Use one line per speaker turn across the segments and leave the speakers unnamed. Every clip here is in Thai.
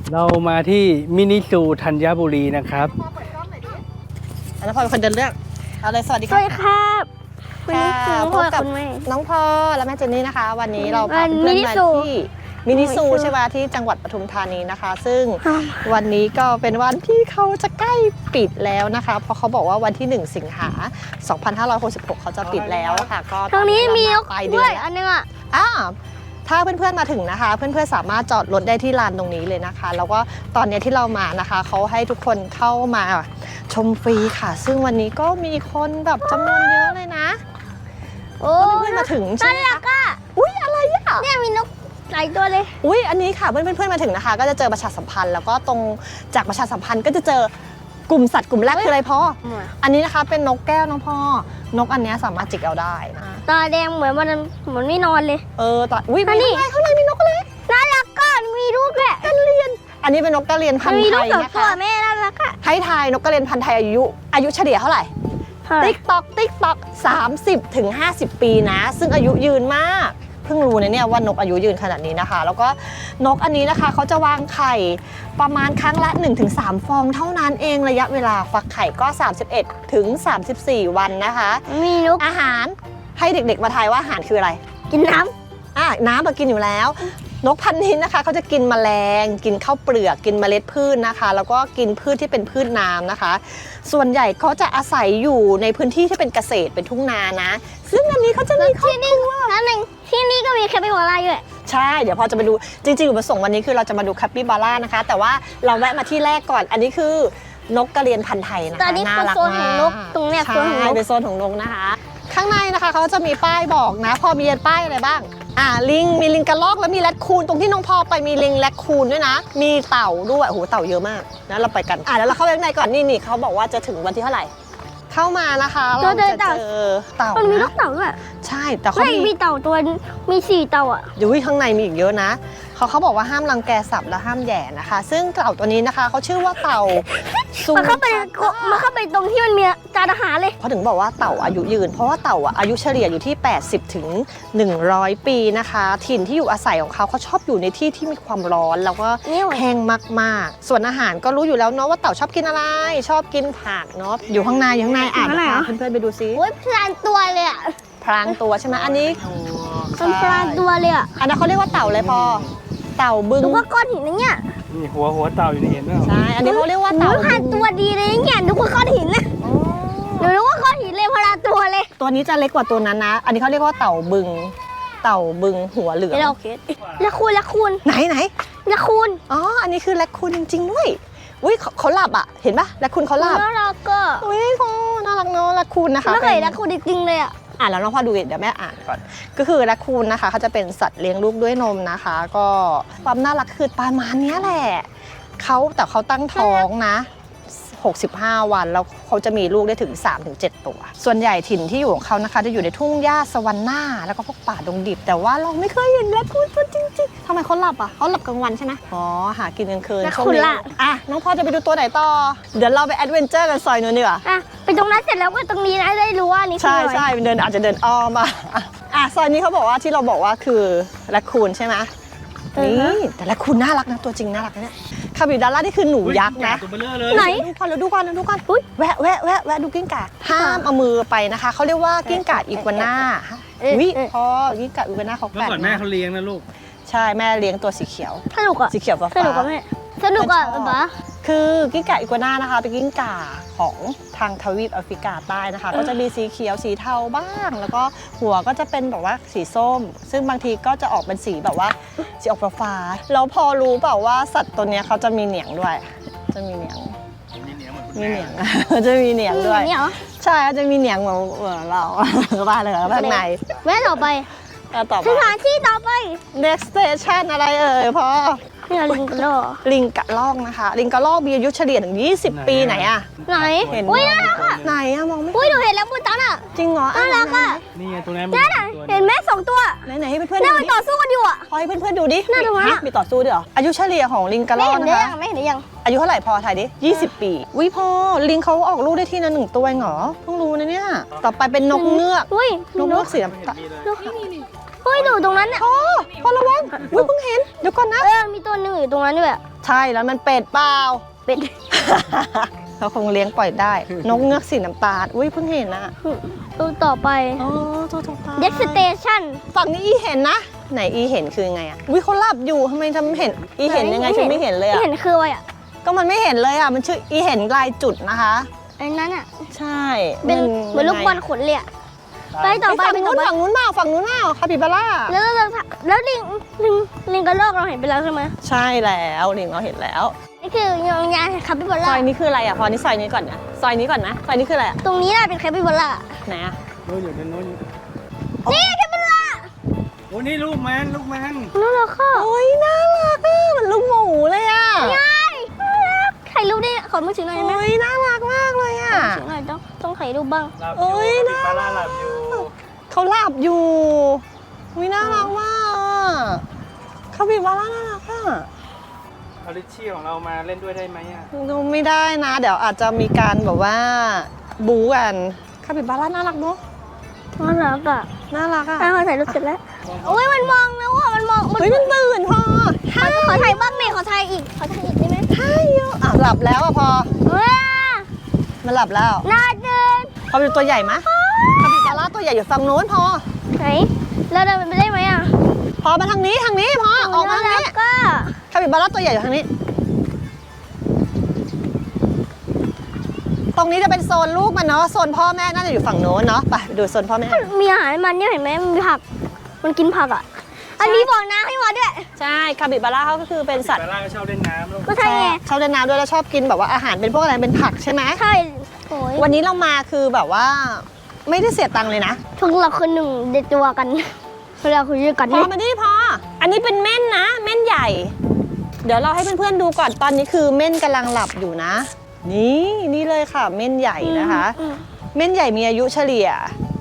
เรามาที่มินิซูธัญบุรีนะครับ
แล้วพอเป็นคนเดินเรื่องเอาเลยสวัสดี
ส
ค่ะ
วัสดีครับคุณ
ค่ะ
ครู
พบกับ
คุณแม่
น้องพ่อและแม่เจนนี่นะคะ วันนี้เราพา
มิ
เพื่อน
นิ
มา
ซู
ที่มินิซูใช่ไหมที่จังหวัดปทุมธานีนะคะ ซึ่งวันนี้ก็เป็นวันที่เขาจะใกล้ปิดแล้วนะคะ เพราะเขาบอกว่าวันที่ 1 สิงหา 2566 เขาจะปิดแล้วค่ะก็
ตรงนี้มีนก
ปลายเดื
ด้
อ
วน ย
แล้ว
อันนึงอ่ะ
ถ้าเพื่อนๆมาถึงนะคะ เพื่อนๆสามารถจอดรถได้ที่ลานตรงนี้เลยนะคะ แล้วก็ตอนนี้ที่เรามานะคะเขาให้ทุกคนเข้ามาชมฟรีค่ะ ซึ่งวันนี้ก็มีคนแบบจำนวนเยอะเลยนะ
โอ้
เพื่อนๆมาถึงใช่ไหม
น่ารั
คะ
กอ่ะ
อุ้ยอะไรอ่ะ
เนี่ยมีนกหลายตัวเลย
อุ้ยอันนี้ค่ะเพื่อนๆมาถึงนะคะ ก็จะเจอประชาสัมพันธ์แล้วก็ตรงจากประชาสัมพันธ์ก็จะเจอกลุ่มสัตว์กลุ่มแรกคืออะไรพ่ออันนี้นะคะเป็นนกแก้วน้องพ่อนกอันนี้สามารถจิกเอาได้นะ
ตาแดงเหมือนวันนั้นเหมือนไม่นอนเลย
ตอนอุ้ย
อันนี้
ข้างในมีนกอะไร
น่ารักก็มีลูกแหละ
กระเรียนอันนี้เป็นนกกระเรียนพัน
มี
ธุ์ไท
ลูก
ย
สอง
นะ
ตัว
คะ
แม่น่ารักอ่ะ
ให้ทายนกกระเรียนพันธุ์ไทยอายุเฉลี่ยเท่าไหร่ ติ๊กตอก30 ถึง 50 ปีนะ ซึ่งอายุยืนมากเพิ่งรู้นะเนี่ยว่านกอายุยืนขนาดนี้นะคะ แล้วก็นกอันนี้นะคะเขาจะวางไข่ประมาณครั้งละ 1-3 ฟองเท่านั้นเองระยะเวลาฟักไข่ก็ 31 ถึง 34 วันนะคะ
มีนก
อาหารให้เด็กๆมาทายว่าอาหารคืออะไร
กินน้
น้ำมากินอยู่แล้ว นกพันธุ์นี้นะคะเขาจะกินแมลง กินข้าวเปลือกกินเมล็ดพืชนะคะ แล้วก็กินพืชที่เป็นพืชน้ำนะคะ ส่วนใหญ่เขาจะอาศัยอยู่ในพื้นที่ที่เป็นเกษตรเป็นทุ่งนานะ ซึ่งอันนี้เขาจะมีครอบครัว
ำนั่นเองที่นี่ก็มีแคปิบาร่าด้วย
ใช่เดี๋ยวพอจะไปดูจริงๆอุปสงค์วันนี้คือเราจะมาดูแคปปิบาร่านะคะ แต่ว่าเราแวะมาที่แรกก่อน อันนี้คือนกกระเรียนพันธุ์ไทยนะคะ
แต่อันนี้
น่า
คือ
รัก
โซนของนก
มาก
ตรงเนี้ยโซนของน
ใช่
ก
เป็นโซนของนกนะคะ ข้างในนะคะเขาจะมีป้ายบอกนะ พอมีป้ายอะไรบ้างลิงมีลิงกระรอกแล้วมีแรดคูนตรงที่น้องพอไปมีลิงแรดคูนด้วยนะ มีเต่าด้วยโอ้โหเต่าเยอะมากนะเราไปกันแล้วเราเข้าไปข้างในก่อนนี่เขาบอกว่าจะถึงวันที่เท่าไหร่ เข้ามานะคะเราจะเจอเต่า
มันมีน
นะ
กเต่าด้วย
ใช่แต่เขา
ไม่มีเต่าตัวมี4เต่าอ่ะ
อยู่ข้างในมีอีกเยอะนะเขาบอกว่าห้ามรังแกสัตว์และห้ามแหย่นะคะ ซึ่งเต่าตัวนี้นะคะเขาชื่อว่าเต่าซู
มันเข้าไปตรงที่มันมีจานอาหารเลย
เขาถึงบอกว่าเต่าอายุยืน เพราะว่าเต่าอายุเฉลี่ยอยู่ที่ 80 ถึง 100 ปีนะคะ ถิ่นที่อยู่อาศัยของเขาชอบอยู่ในที่ที่มีความร้อนแล้วก็แห้งมากๆส่วนอาหารก็รู้อยู่แล้วเนาะว่าเต่าชอบกินอะไร ชอบกินผักเนาะอยู่ข้างในอ่านนะคะเพื่อนๆไปดูซิ
โอ้ยพลานตัวเลยอ่ะ
พรางตัวใช่ไหมอันนี้
มันพลานตัวเลยอ่ะ
อันนั้นเขาเรียกว่าเต่าเลยพอเต่าบึง
ดูว่าก้อนหินนะเนี่ย
นี่หัวเต่าอยู่ในเห็นไหม
ใช่อันนี้เขาเรียกว่าเต่า
พลานตัวดีเลยเนี่ยดูว่าก้อนหินนะหนูรู้ว่าก้อนหินเลยพลานตัวเลย
ตัวนี้จะเล็กกว่าตัวนั้นนะ อันนี้เขาเรียกว่าเต่าบึงหัวเหลือง
เราละคูณ
ไหน
ละคูณ
อ๋ออันนี้คือแรคคูนจริงๆด้วยอุ้ยเขาหลับอ่ะเห็นปะแรคคูนเขาหลับ
น่ารักก็
อุ้ยพ่อน่ารักเนาะแรคคูนนะคะ
ไม่เคยละคูณจริงๆเลยอ่ะ
แล้วน้องพ่อดูเดี๋ยวแม่อ่านก่อนก็คือแรคคูนนะคะเขาจะเป็นสัตว์เลี้ยงลูกด้วยนมนะคะ ก็ความน่ารักคือประมาณเนี้ยแหละแต่เขาตั้งท้องนะ65 วันแล้วเขาจะมีลูกได้ถึง 3-7 ตัว ส่วนใหญ่ถิ่นที่อยู่ของเขานะคะจะอยู่ในทุ่งหญ้าสวรรค์หน้าแล้วก็พวกป่าดงดิบแต่ว่าเราไม่เคยเห็นแรคคูนตัวจริงๆทำไมเขาหลับอ่ะเขาหลับกลางวันใช่ไหมอ๋อหากินกลางคืน
แรคคูนล่ะ
น้องพ่อจะไปดูตัวไหนต่อเดี๋ยวเราไปแอดเวนเจอร์กันซอยนู้นดีกว่า
อ่ะไปตรงนั้นเสร็จแล้วก็ตรงนี้นะได้รู้ว่านี่คือ
ใช่
อะไร
ใช่อาจจะเดินอ้อมมาซอยนี้เขาบอกว่าที่เราบอกว่าคือแรคคูนใช่ไหมนี่แต่แรคคูนน่ารักนะตัวจริงน่ารักนะเนี่ยคาบิบาร่านี่คือหนูยักษ์นะ
ตัวเบลอเลย
ไหน
ดูก่อนแวะดูกิ้งก่าห้ามเอามือไปนะคะเขาเรียกว่ากิ้งก่าอีกัวน่าพอกิ้งก่าอีกัวน่าเขา
เมื่อ
แปลก
ก่อนแม่เขาเลี้ยงนะลูก
ใช่แม่เลี้ยงตัวสีเขียว
สนุกอ่ะ
สีเขียวฟ้า
สนุกอ่ะแม่สนุกอ่ะป๊า
คือกิ้งก่าอีกัวน่านะคะเป็นกิ้งก่าของทางทวีปแอฟริกาใต้นะคะก็จะมีสีเขียวสีเทาบ้าง แล้วก็หัวก็จะเป็นแบบว่าสีส้ม ซึ่งบางทีก็จะออกเป็นสีแบบว่าสีออกฟ้าๆแล้วพอรู้เปล่าว่าสัตว์ตัวเนี้ยเขาจะมีเหนียงด้วยจะมีเหนียง
มีเหนียงเหมือนคุณ
มี
แม่
เหนียง จะมีเหนียงด้วย
นี่เหรอ
ใช่จะมีเหนียงเหมือนเราบ้าเลยข้างใน
แม่ต่อไป
ต่อ
ส
ไป
ถานที่ต่อไป
next station อะไรพ่อ
นี่ลิงกระโดด
ลิงกระรอกนะคะ ลิงกระรอกมีอายุเฉลี่ยถึง20 ปีไหนอะ
ไหน
เห็น
อุ้ยน่ารักอ่ะ
ไหนอะมองไม่
อุ้ยหนูเห็นแล้วปูตันอ่ะ
จริงเหรอ
น่ารักอ่ะ
นี่ไงตรงนั้น
นั่นอ่ะเห็นไหม2 ตัว
ไหนให้เพื่อนๆ
น่า
ดู
มัน
ดิ
ต่อสู้กันอยู่อ่ะ
พอให้เพื่อนๆดูดิ
น่าดูมาก
มีต่อสู้ด้วยเหรออายุเฉลี่ยของลิงกระร
ไม่
อก
เห็น
นะ
ได้
คะ
ยังไม่เห็นได้ยัง
อายุเท่าไหร่พอถ่ายดิ20 ปีวิพ่อลิงเขาออกลูกได้ทีละ1 ตัวเองเหรอเพิ่งรู้นะเนี่ยต่อไปเป็นนกเงือก
อุ้ย
นกเงือกสีน้ำตาล
เฮ้ยดูตรงนั้นอ่ะ
พอระวังเพิ่งเห็นเดี๋ยวก่อนนะ
มีตัวหนึ่งอยู่ตรงนั้นด้วย
ใช่แล้วมันเป็ดเปล่า
เป็น
เขาคงเลี้ยงปล่อยได้ นกเงือกสีน้ำตาลอุ้ยเพิ่งเห็นนะ
ตัวต่อไป
อ๋อตัวต่อไป
เด็กสเตชัน
ฝั่งนี้อีเห็นนะ ไหนอีเห็นคือไงอ่ะอุ้ยเขาหลับอยู่ทำไมทำเห็นอีเห็นยังไงฉันไม่เห็นเลยอ่ะ
เห็นคืออะไรอ่ะ
ก็มันไม่เห็นเลยอ่ะมันชื่ออีเห็นลายจุดนะคะ
ไอ้นั้นอ่ะ
ใช่
เป็นเหมือนลูกบอลขนเลยอะไปต่อไป
ฝั่ง
ไปต่
นู้
อน ไป
ฝั่งนู้นเปล่าฝั่งนู้นเปล่าคาปิบาร่า
แล้วลิงกระรอกเราเห็นไปแล้วใช่ไหม
ใช่แล้วลิงเราเห็นแล้ว
นี่คือยางคาปิบา
ซ
ร่า
อยนี้คืออะไรอ่ะพอนี่ซอยนี้ก่อนนะซอยนี้ก่อนนะซอยนี้คืออะไรอ่ะ
ตรงนี้น่าเป็นคาปิบาร่า
ไหนอ่ะ
โน้นอยู่นั่นโน้นอยู่
นี่คาปิบาร่า
โอ้นี่ลูกมันลูกมัน
น่ารักค่ะ
โอ้ยน่ารักอ่ะเหมือนลูกหมูเลยอ่ะ
ง่ายน่ารักถ่ายรูปได้ขอมือถือหน่อยได้ไหม
โอ้ยน่ารักมากเลยอ่ะ
ถือหน่อยต้องถ่ายรูปบ้าง
หลับอ
โอ้
ยู่
ย
ปิ
น่า
ดปลาล่าหลับอยู่
เขาหลับอยู่อุ้ยน่ารักมากอ่ะคาปิบาร่าน่ารักอ่ะ
เอาลิชชี่ของเรามาเล่นด้วยได้ไหมอ่ะ
ดูไม่ได้นะ เดี๋ยวอาจจะมีการแบบว่าบู๊กันคาปิบาร่าน่ารักเนาะ
น่ารักอ่ะ
น่ารักอ่ะ
ถ่ายรูปเสร็จแล้วโอ้ยมันมองแล้วอ่ะมันมอง
เฮ้ยมันตื่นพอ
ขอถ่ายบ้างหน่อยขอถ่ายอีกได้ไหม
ใช่เยอะอ่ะหลับแล้วอ่ะพอ
ว้า
มันหลับแล้ว
น่าเดิน
พอเป็นตัวใหญ่ไหมคาปิบาร่าตัวใหญ่อยู่ฝั่งโน้นพอ
ไหนเราเดินไปได้ไหมอ่ะ
พอมาทางนี้พอออกมาทางนี้
ก็
คาปิบาร่าตัวใหญ่อยู่ทางนี้ ตรงนี้จะเป็นโซนลูกมันเนาะโซนพ่อแม่น่าจะอยู่ฝั่งโน้นเนาะไปดูโซนพ่อแม่
มีอาหารมันเนี่ยเห็นไหมมีผักมันกินผักอ่ะอันนี้บอกน้ำให้มาด้วย
ใช่คาปิบาร่าเขาก็คือเป็นสัต
ป
ว์
ลาล่าก็ชอบเล่นน้ำลูก
ก็ใช่ไง
ชอบเล่นน้ำด้วยแล้วชอบกินแบบว่าอาหารเป็นพวกอะไรเป็นผักใช่ไหม
ใช่โอ้ย
วันนี้เรามาคือแบบว่าไม่ได้เสียตังค์เลยนะ
พวกเราคือหนึ่งเด็ดตัวกันเราคือด้วยกัน
พอ
นี่
มาดิพออันนี้เป็นเม่นนะเม่นใหญ่ เดี๋ยวเราให้เพื่อนๆดูก่อนตอนนี้คือเม่นกำลังหลับอยู่นะ นี่เลยค่ะเม่นใหญ่นะคะ เม่นใหญ่มีอายุเฉลี่ย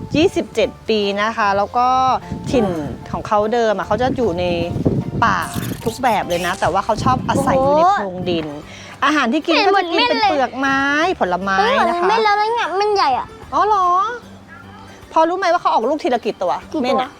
27 ปีนะคะ แล้วก็ถิ่นของเขาเดิมอะเขาจะอยู่ในป่าทุกแบบเลยนะ แต่ว่าเขาชอบอาศัยอยู่ในโพรงดิน อาหารที่กินก็จะกินเป็นเปลือกไม้ผลไม้นะคะ
ไม่แล้วนั่นไงมันใหญ่อ่ะ
อ๋อเหรอ พอรู้ไหมว่าเขาออกลูกทีละกี่ตัว
กี่ตัว
เม่นอะ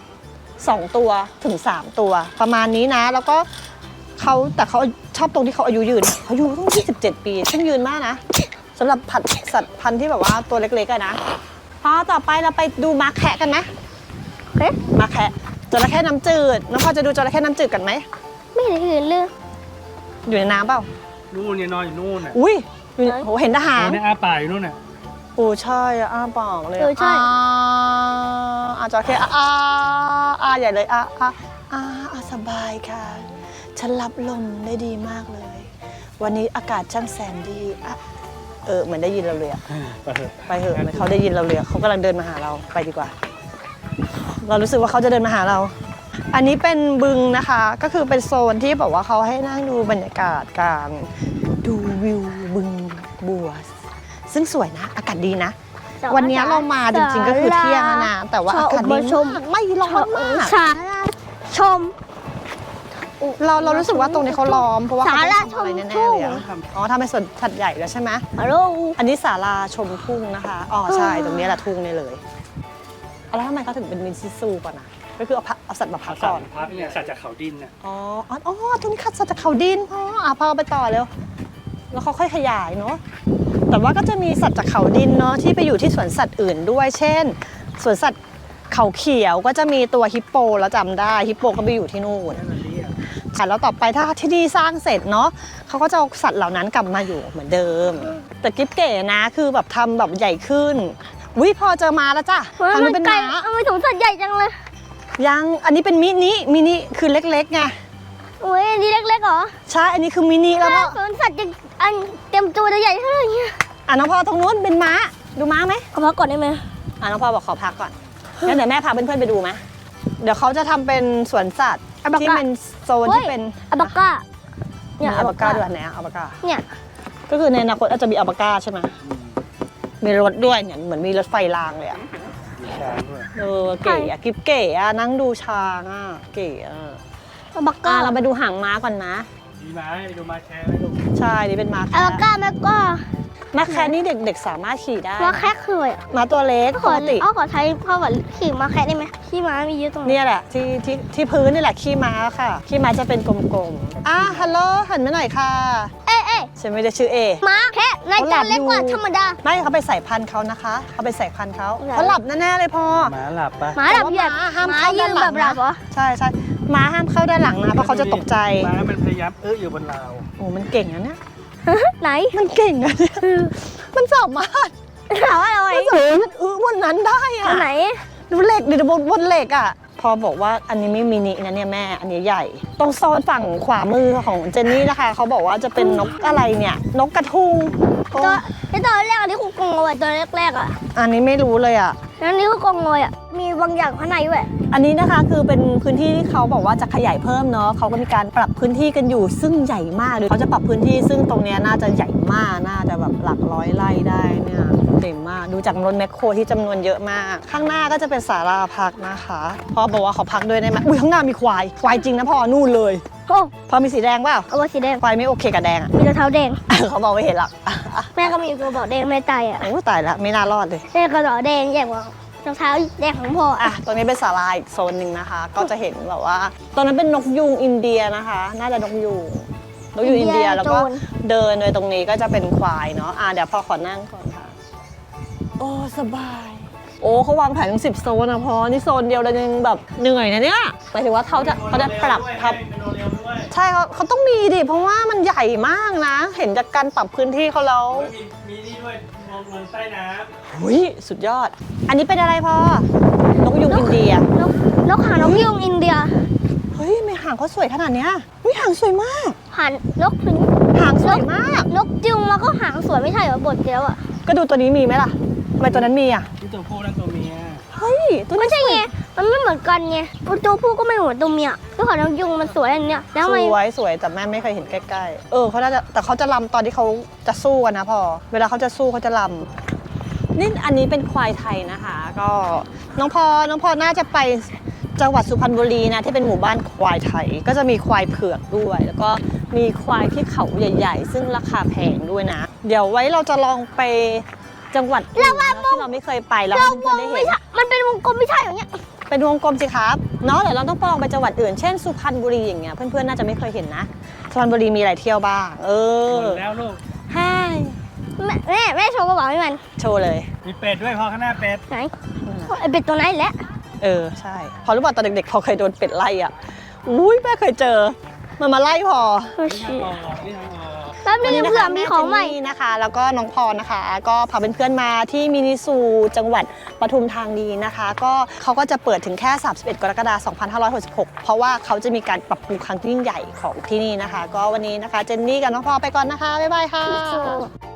2 ตัวถึง 3 ตัว ประมาณนี้นะ แล้วก็แต่เขาชอบตรงที่เขาอายุยืนเขาอายุต้อง27 ปีซึ่งยืนมากนะสำหรับสัตว์พันธุ์ที่แบบว่าตัวเล็กๆอะนะพอต่อไปเราไปดูม้าแคะกันไหม
เฮ้ย
ม้าแคะจระเข้น้ำจืดน้องพอจะดูจระเข้น้ำจืดกันไหม
ไม่เห็นอื่นเลย
อยู่ในน้ำเปล่า
นู่นเนี่ยนอนอยู่นู่นน่ะ
อุ้ยอยู่ในโหเห็นทหาร
เนี่ยอ้าปากอยู่นู่นน่ะ
โอ้ใช่อะอ้าปากเลย
เออใช่
จระเข้ใหญ่เลยสบายค่ะ ฉันรับลมได้ดีมากเลย วันนี้อากาศช่างแสนดีเหมือนได้ยินเราเลยอะ
ไปเถอะ
ไปเถอะเหมือนเขาได้ยินเราเลยอะเขากำลังเดินมาหาเราไปดีกว่า เรารู้สึกว่าเขาจะเดินมาหาเรา อันนี้เป็นบึงนะคะ ก็คือเป็นโซนที่แบบว่าเขาให้นั่งดูบรรยากาศการดูวิวบึงบัว ซึ่งสวยนะ อากาศดีนะ วันนี้เรามาจริงๆก็คือเที่ยงแล้วนะ แต่ว่าอากาศดีมากไม่ร้อนมาก
สาราชม
เรารู้สึกว่าตรงนี้เขาล้อมเพราะว่าเขาต้อง
ศาลา
ทำอะไร
ชม
แน่
ทุ่
ๆ
ง
เลยอะอ๋อทำเป็นสวนสัตว์ใหญ่แล้วใช่ไหม
ฮัลโหล
อันนี้ศาลาชมทุ่งนะคะอ๋อใช่ตรงนี้แหละทุ่งนี่เลยแล้วทำไมเขาถึงเป็นมินซิซูก่อนนะก็คือเอาสัตว์มาพัก
สั
ก่
ต
อน
ว์พักเนี่ยสัตว์จากเขาดินน่ะ
อ๋อตรงนี้คัดสัตว์จากเขาดินพอไปต่อเร็วแล้วเขาค่อยขยายเนาะแต่ว่าก็จะมีสัตว์จากเขาดินเนาะที่ไปอยู่ที่สวนสัตว์อื่นด้วย เช่นสวนสัตว์เขาเขียวก็จะมีตัวฮิปโปแล้วจำได้ฮิปโปก็ไปอยู่ที่นู่น
นั่นมันเรียก
ค่ะแล้วต่อไปถ้าที่นี่สร้างเสร็จเนาะเขาก็จะเอาสัตว์เหล่านั้นกลับมาอยู่เหมือนเดิม แต่กิ๊บเก๋นะคือแบบทำแบบใหญ่ขึ้นวิพอเจอมาแล้วจ้ะทางนู้นเป็น
ไก่
ม้า
เอาไปสวนสัตว์ใหญ่จังเลย
ยังอันนี้เป็นมินิคือเล็กๆไง
โอ้ยอันนี้เล็กๆเหรอ
ใช่อันนี้คือมินิแล้วก็
สวนสัตว์จะอันเต็มตัวจะใหญ่เท่าไหร่เนี่ย
น้องพอตรงนู้นเป็นม้าดูม้าไหม
ขอพักก่อนได้ไหม
น้องพอบอกขอพักก่อนงั้นเดี๋ยวแม่พาเพื่อนๆไปดูไหมเดี๋ยวเขาจะทำเป็นสวนสัตว์ที่เป็นโซนที่เป็น
อัลปาก้า
เนี่ยอัลปาก้าด้วยไหนอัลปาก้า
เนี่ย
ก็คือในอนาคตอาจจะมีอัลปาก้าใช่ไหมมีรถด้วยเนี่ยเหมือนมีรถไฟรางเลยอะ
มีช้างด้วย
เก๋อะกิ๊บเก๋อะนั่งดูช้างอะเก๋อะ
อัลปาก้า
เราไปดูหางม้าก่อนนะ
มีม้าให้ดูม้าแค่ไหมลูก
ใช่นี่เป็นม้า
อัล
แคะ
ปาก้าแล้วก็
ม้าแคะนี่เด็กๆสามารถขี่ได้
มาแค่คืออะไร
ม้าตัวเล็ก
ข
ป
อก
ติ
ขอใช้พ่อแบบขี่มาแค่ได้ไหมขี่ม้ามีเยอะตรงนี้
เนี่ยแหละที่พื้นนี่แหละขี้ม้าค่ะขี้ม้าจะเป็นกลมๆฮัลโหลหันมาหน่อยค่ะ
เอ้ย
ฉันไม่ได้ชื่อเอ
ม้าแค่ในตัวเล็กกว่าธรรมดา
ไม่เขาไปใส่พันธุ์เขานะคะเขาไปใส่พันธุ์เขา
เหรอ
เขาหลับแน่ๆเลยพอ
หมาหลับปะ
ม้าแบบเหยียด
แต่ว่าม้าห้าม
ม้า
เข้า
ยื
ด้าน
น
หลั
แบ
ง
บหลับเหรอ
ใช่ม้าห้ามเข้าด้านหลังนะเพราะเขาจะตกใจ
ม้ามันพยายามอยู่บนราว
โอ้มันเก่งนะเนี่ย
ไหน
มันเก่งนะเนี่ยมันสามารถ
ถามว่าอะไร
มันสามารถบนนั้นได้อะ
ไหน
ดูเหล็กดิบนเหล็กอ่ะพอบอกว่าอันนี้ไม่มินินะเนี่ยแม่อันนี้ใหญ่ ตรงโซนฝั่งขวามือของเจนนี่นะคะเขาบอกว่าจะเป็นนกอะไรเนี่ยนกกระทุงโอ้
ตอนแรกอันนี้คือกรงเอาไว้ตัวแรกๆอ่ะ
อันนี้ไม่รู้เลยอ่ะ
แล้วนี่คือกรงเลยอ่ะมีบางอย่างข้างในด้วย
อันนี้นะคะคือเป็นพื้นที่ที่เขาบอกว่าจะขยายเพิ่มเนาะเขาก็มีการปรับพื้นที่กันอยู่ซึ่งใหญ่มากเลยเขาจะปรับพื้นที่ซึ่งตรงเนี้ยน่าจะใหญ่มากน่าจะแบบหลักร้อยไร่ได้เนี่ยเต็มมากดูจากรถแมคโครที่จำนวนเยอะมาก ข้างหน้าก็จะเป็นศาลาพักนะคะพ่อบอกว่าเขาพักด้วยได้ไหมอุ้ยข้างหน้ามีควายจริงนะพ่อนู่นเลย
โอ้
พอมีสีแดงเปล่า
เอาไว้สีแดง
ควายไม่โอเคกับแดงอ่ะ
มีรองเท้าแดง
เขาบอกไม่เห็นหรอก
แม่ก็มีกระบอกแดงแม่ตายอ่ะ
โอ้ตายแล้วไม่น่ารอดเลย
แม่กระบอกแดงใหญ่กว่ารองเท้าแดงของพ่ออ่ะ
ตรงนี้เป็นศาลาอีกโซนหนึ่งนะคะ ก็จะเห็นแบบว่าตอนนั้นเป็นนกยูงอินเดียนะคะ น่าจะนกยูงอินเดียแล้วก็เดินโดยตรงนี้ก็จะเป็นควายเนาะเดี๋ยวพอขอนั่งก่อนค่ะโอ้สบายโอ้เขาวางแผนถึง10 โซนนะพอนี่โซนเดียวเรายังแบบเหนื่อยนะเนี่ยหมายถึงว่าเขาจะปรับทับใช่เขาต้องมีดิเพราะว่ามันใหญ่มากนะ เห็นจากการปรับพื้นที่เขาแล้ว
มีนี่ด้วยมองใต้น้
หุยสุดยอด อันนี้เป็นอะไรพอนกยูงอินเดีย
นกหางนกยูงอินเดีย
เฮ้ยไม่หางเขาสวยขนาดเนี้ยอุ้ยหางสวยมาก
หันนกถึง
หางสวยมาก
นกยูงมันก็หางสวยไม่ใช่เหรอบทเดียวอ่ะ
ก็ดูตัวนี้มีไหมล่ะทำไมตัวนั้นมีอ่ะ
ำที่ตัวผู้และตัวเมีย
เฮ้ยตัว
ไม่
นี้
ใช่ไงมันไม่เหมือนกันไงตัวผู้ก็ไม่เหมือนตัวเมียตัวของนกยูงมันสวยอันเนี้ยแล้วทำไม
สวยแต่แม่ไม่เคยเห็นใกล้ๆเขาน่าจะแต่เขาจะลำตอนที่เขาจะสู้กันนะพอเวลาเขาจะสู้เขาจะลำนี่อันนี้เป็นควายไทยนะคะ ก็น้องพอน่าจะไปจังหวัดสุพรรณบุรีนะที่เป็นหมู่บ้านควายไทย ก็จะมีควายเผือกด้วย แล้วก็มีควายที่เขาใหญ่ ๆ ซึ่งราคาแพงด้วยนะ เดี๋ยวไว้เราจะลองไปจังหวัดอื่นนะที่เราไม่เคยไปแล้ว
เรา
เพื่
ว
อน
ง
ๆได้
ไม่
เห็น
ใช่มันเป็นวงกลมไม่ใช่อย่างเงี้ย
เป็นวงกลมสิครับเนาะเดี๋ยวเราต้องลองไปจังหวัดอื่นเช่นสุพรรณบุรีอย่างเงี้ยเพื่อนๆน่าจะไม่เคยเห็นนะสุพรรณบุรีมีอะไรเที่ยวบ้าง
หมดแล้วลูก
ใช่
แม่โชว์กระเป๋าให้มัน
โชว์เลย
มีเป็ดด้วยพอข้างหน้าเป็ด
ไหนไอเป็ดตัวไหนแหละ
ใช่พอรู้ป่ะตอนเด็กๆพอเคยโดนเป็ดไล่อ่ะอุ้ยแม่เคยเจอมันมาไล่พอ
นี่ทางออกนี่ทางออก
แป๊บนึงเผื่อมีของใหม่
แเจนนี่นะคะ แล้วก็น้องพรนะคะ ก็พาเพื่อนๆมาที่มินิซูจังหวัดปทุมธานีนะคะ ก็เขาก็จะเปิดถึงแค่ 31 กรกฎาคม 2566 เพราะว่าเขาจะมีการปรับปรุงครั้งยิ่งใหญ่ของที่นี่นะคะ ก็วันนี้นะคะเจนนี่กับน้องพรไปก่อนนะคะบ๊ายบายค่ะ